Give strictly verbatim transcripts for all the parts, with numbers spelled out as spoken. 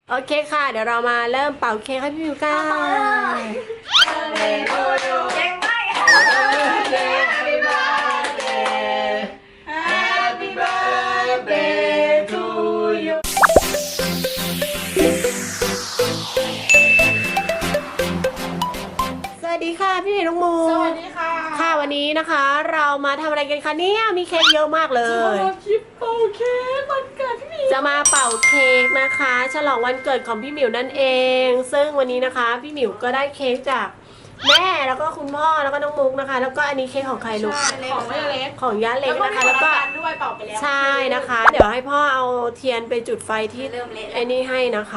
โอเคค่ะเดี๋ยวเรามาเริ่มเป่าเค้กให้พี่มิวกันเก่งมาก Happy birthday Happy birthday to you สวัสดีค่ะพี่มิวน้องมูสวัสดีค่ะค่ะวันนี้นะคะ เรามาทำอะไรกันคะเนี่ยมีเค้กเยอะมากเลยคลิปเป่าเค้กวันเกิดพี่มิวจะมาเป่าเค้กนะคะฉลองวันเกิดของพี่หมิวนั่นเอง ซึ่งวันนี้นะคะพี่หมิวก็ได้เค้กจากแม่แล้วก็คุณพ่อแล้วก็น้องมุกนะคะ แล้วก็อันนี้เค้กของใครลูกของแม่เล็กของย่าเล็กนะคะแล้แล้ว วก็ก็มีด้วยเป่าไปแล้วใช่นะคะ เดี๋ยวให้พ่อเอาเทียนไปจุดไฟที่เริ่มเละไอ้นี่ให้นะคะ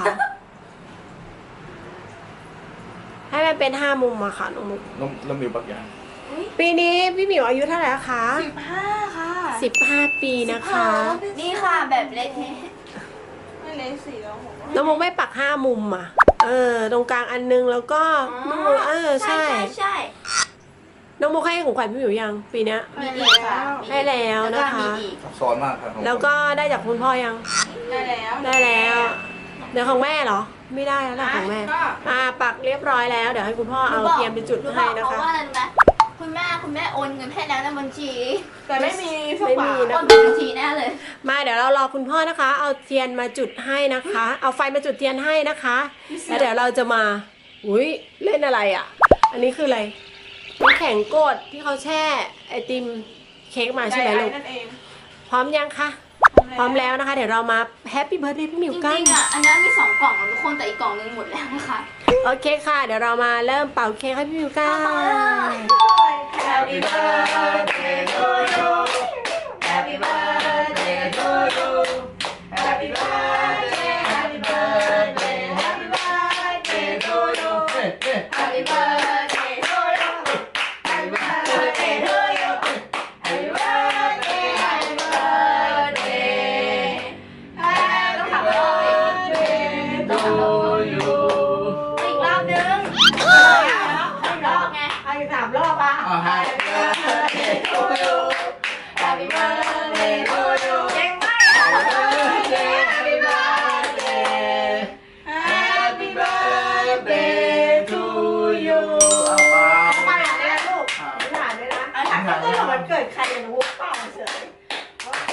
ให้มันเป็นห้ามุมอะค่ะน้องมุกน้ำน้ำมิวปักยางปีนี้พี่หมิวอายุเท่าไหร่แล้วคะสิบห้าค่ะสิบห้าปีนะคะนี่ค่ะแบบเละเทะไม่เละสี่แล้วผมน้องมุกไม่ปักห้ามุมอะเออตรงกลางอันนึงแล้วก็น้องมุกเออใช่ใช่ใช่น้องมุกให้ของขวัญพี่หมิวยังปีเนี้ยมีอีกค่ะให้แล้วนะคะแล้วก็มีอีกซับซ้อนมากครับแล้วก็ได้จากคุณพ่อยังได้แล้วได้แล้ว เดี๋ยวของแม่เหรอ ไม่ได้แล้วล่ะของแม่ อ่าปักเรียบร้อยแล้ว เดี๋ยวให้คุณพ่อเอาเทียมไปจุดหนูบให้อกนะเขาคะว่าอะไรรู้ไหมคุณแม่คุณแม่โอนเงินให้แล้วในบัญชีแต่ไม่มีพวกไม่บามีทนะโอนเป็นบัญชีแน่เลยมาเดี๋ยวเรารอคุณพ่อนะคะ เอาเทียนมาจุดให้นะคะ เอาไฟมาจุดเทียนให้นะคะ แล้วเดี๋ยวเราจะมา อุ้ยเล่นอะไรอ่ะ อันนี้คืออะไรน้ำแข็งโกดที่เขาแช่ไอติมเค้กมาใช่ไหมลูกนั่นเองพร้อมยังคะ พร้อมแล้วนะคะ เดี๋ยวเรามาแฮปปี้เบิร์ดเดย์พี่หมิวจกันริงๆอ่ะอันนั้นมีสองกล่องของทุกคนแต่อีกกล่องนึงหมดแล้วนะคะโอเคค่ะ เดี๋ยวเรามาเริ่มเป่าเค้กให้พี่มิวกัน Happy birthday to you Happy birthday to you Happy birthday Happy birthday Happy birthday to you Happy birthday to you Happy birthday to you Happy birthday Happy birthday Happy birthday to you อีกรอบนึงอีกรอบไงเอาอีกสามรอบอ่ะ Oh, happy birthday to you. Happy birthday to you. เก่งมาก Happy birthday. Happy birthday. Happy birthday to you. เอาเปล่ามาหาได้ลูกมาหาได้นะเอาถามก็ต้องวันเกิดใครอย่างนู้นเปล่าเฉยโอเค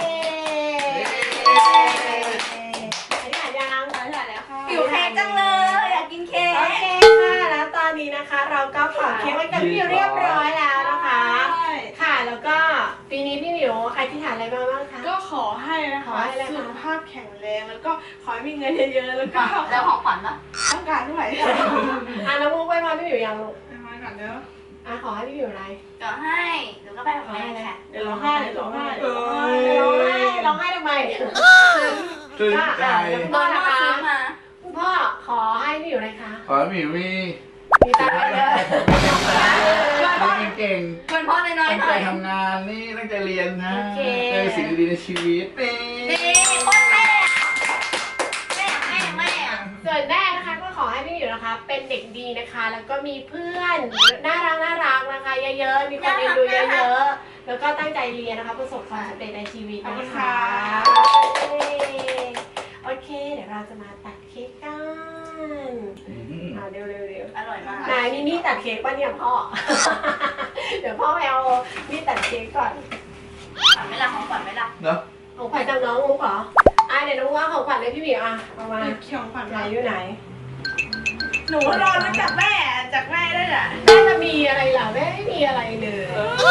อันนี้หายังถ่ายแล้วค่ะหิวเค้กจังเลยอยากกินเค้กโอเคค่ะแล้วตอนนี้นะคะ เราก็เป่าเค้กไว้กับพี่มิวเรียบร้อยแล้วนะคะ ค่ะแล้วก็ปีนี้พี่มิวอธิษฐานอะไรมาบ้างคะก็ขอให้นะขอคะให้อะไรคะสุขภาพแข็งแรงแล้วก็ขอให้มีเงินเยอะๆแล้วก็แล้วของขวัญล่ะต้องการเท่าไหร่อ่ะน้องมุกไปมาพี่มิวยังลูกมาก่อนเด้ออ่ะขอให้พี่มิวอะไรเดี๋ยวให้เดี๋ยวก็ไปของแม่ค่ะเดี๋ยวร้องไห้เดี๋ยวร้องไห้เอ้ร้องยไห้ร้องไห้ทำไมตื่นใจโดนมาซื้อมาคุณพ่อขอให้พี่มิวอะไรคะขอให้หมิวมีมีตังค์เยอะมีเก่งเพื่อนพ่อน้อยตั้งๆหใจน่อยทำงานนี่ตั้งใจเรียนนะเจอสิ่งดีๆในชีวิตนี่นี่คนแม่แม่แม่แม่ส่วนแม่นะคะก็ขอให้พี่มิวนะคะ เป็นเด็กดีนะคะ แล้วก็มีเพื่อนน่ารักน่ารักนะคะ เยอะๆมีคนเอ็นดูเยอะๆแล้วก็ตั้งใจเรียนนะคะประสบความสำเร็จในชีวิตนะคะโอเค เดี๋ยวเราจะมาตัดเค้กกันอืมอ่าเร็วๆเร็วอร่อยมากๆนายมีมีดตัดเค้กป่ะเนี่ยพ่อ เดี๋ยวพ่อไปเอามีดตัดเค้กก่อนขวัญไม่ละของขวัญไม่ละเนาะของขวัญจากน้องมุกเหรออ่ะเดี๋ยวน้องว่าของขวัญเลยพี่หมิวอ่ะเอามาหยิบเขียวขวัญไหนมาอยู่ไหนหนูรอมาจากแม่จากแม่ได้แหละแม่จะมีอะไรล่ะแม่ไม่มีอะไรเลย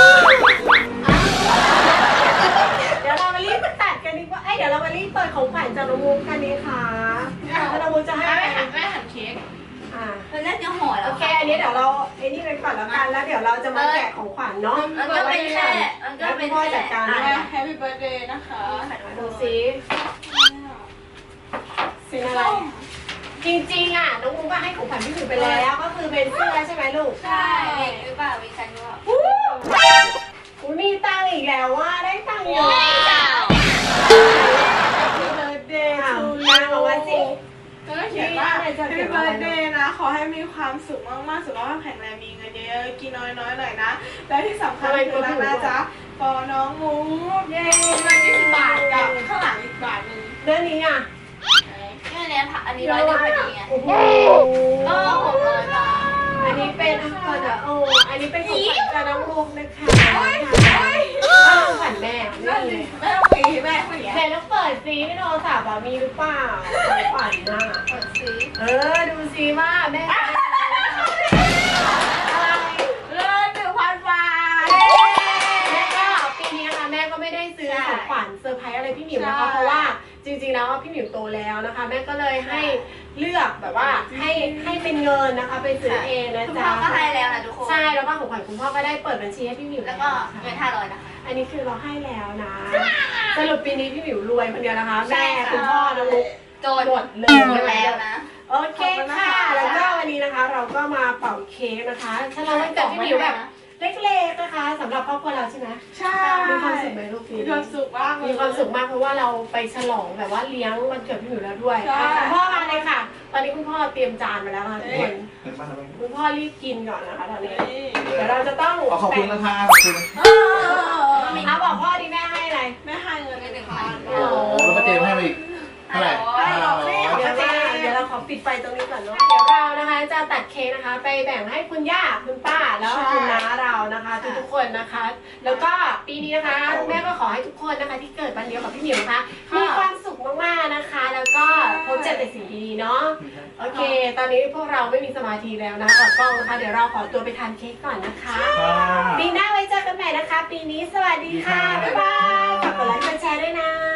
เดี๋ยวเรามารีบมาตัดกันดีกว่าเอ้ยเดี๋ยวเรามารีบเปิดของขวัญจากน้องมุกกันดีค่ะแล้วน้องมุกจะให้แม่ใครหันแม่หันเค้กอ่าเพื่อนน่าจะห่อแล้โอวเคอันนี้เดี๋ยวเราไอ้นี่ไปก่อนแล้วกันแล้วเดี๋ยวเราจะมาแกะของขวัญเนาะมันก็เป็นแค่มันก็เป็นพ่อแค่จัดการแม่ด้วยแฮปปี้เบิร์ดเดย์นะคะดูสิเป็นอะไรจริงๆอ่ะน้องมุกก็ให้ของขวัญพี่หมิวไปแล้วก็คือเป็นเสื้อใช่ไหมลูกใช่หรือเปล่าวิชันว่าอุ้ยมีตังค์อีกแล้วว่าได้ตังค์เยอะ Happy birthday อ้าว to ตังค์บอกว่าจริงแล้วก็เขียนว่า Happy birthday นะ ขอให้มีความสุขมากๆสุขภาพแข็งแรงมีเงินเยอะๆกินน้อยๆหน่อยนะ และที่สำคัญคือรักนะจ๊ะปอน้องมูเย้เงินยี่สิบบาทกับข้างหลังอีกบาทหนึ่งเรื่องนี้อ่ะแม่อันนี้อันนี้ร้อยเดียวพอดีไงโอ้โหก็หกร้อยบาทอันนี้เป็นก่อนอะโอ้อันนี้เป็นของขวัญจากน้องมุกนะคะถ้าของขวัญแม่ไม่มีเลยไม่ต้องปีแม่คนเนี้ยแม่ต้องเปิดซีในโทรศัพท์อะมีหรือเปล่าของขวัญน่ะเปิดซื้อเออดูซีว่าแม่จะได้อะไรเงินหนึ่งพันบาทแม่ก็ปีนี้นะคะแม่ก็ไม่ได้ซื้อของขวัญเซอร์ไพรส์อะไรพี่หมิวนะคะเพราะว่าจริงๆแล้วพี่หมิวโตแล้วนะคะแม่ก็เลยให้เลือกแบบว่าให้ให้เป็นเงินนะคะไปซื้อเองนะคุณจ๊ะพ่อก็ให้แล้วนะทุกคนใช่แล้วก็ของขวัญคุณพ่อก็ได้เปิดบัญชีให้พี่หมิวแล้วก็นะคะเงินห้าร้อยนะคะอันนี้คือเราให้แล้วนะสรุปปีนี้พี่หมิวรวยคนเดียวนะคะใช่แม่ค่ะคุณพ่อน้องมุกโจนหมดเลหมดยแล้วนะโอเคค่ะแล้วก็วันนี้นะคะ เราก็มาเป่าเค้กนะคะฉลองวันเกิดพี่หมิวแบบเล็กๆนะคะสำหรับครอบครัวเราใช่ไหมใช่มีความสุขไหมลูกปีมีนี้ความสุขมากเลยมีความสุขมากเพราะว่าเราไปฉลองแบบว่าเลี้ยงวันเกิดพี่หมิวแล้วด้วยใช่คุณพ่อมาเลยค่ะ ตอนนี้คุณพ่อเตรียมจานมาแล้วค่ะทุกคนเป็นบ้านอะไรคุณพ่อรีบกินก่อนนะคะตอนนี้เดี๋ยวเราจะต้องขอบคุณนะคะขอบคุณเออเอาบอกพ่อดิแม่ให้อะไรแม่ให้เงินหนึ่งพันโอ้แล้วป้าเจมให้มาอีกเท่าไหร่ห้าร้อยเดี๋ยวว่าเดี๋ยวเราขอปิดไฟตรงนี้ก่อนเนาะเดี๋ยวเรานะคะจะตัดเค้กนะคะ ไปแบ่งให้คุณย่าคุณป้าแล้วก็คุณน้าเรานะคะทุกๆคนนะคะ แล้วก็ปีนี้นะคะแม่ก็ขอให้ทุกคนนะคะที่เกิดวันเดียวกับพี่หมิวนะคะมีความสุขมากๆนะคะ แล้วก็พบเจอแต่สิ่งดีๆเนาะโอเค ตอนนี้พวกเราไม่มีสมาธิแล้วนะอดกล้องนะคะเดี๋ยวเราขอตัวไปทานเค้กก่อนนะคะ ปีหน้าไว้เจอกันใหม่นะคะ ปีนี้สวัสดีค่ะ บ๊ายบายฝากกดไลค์กดแชร์ด้วยนะ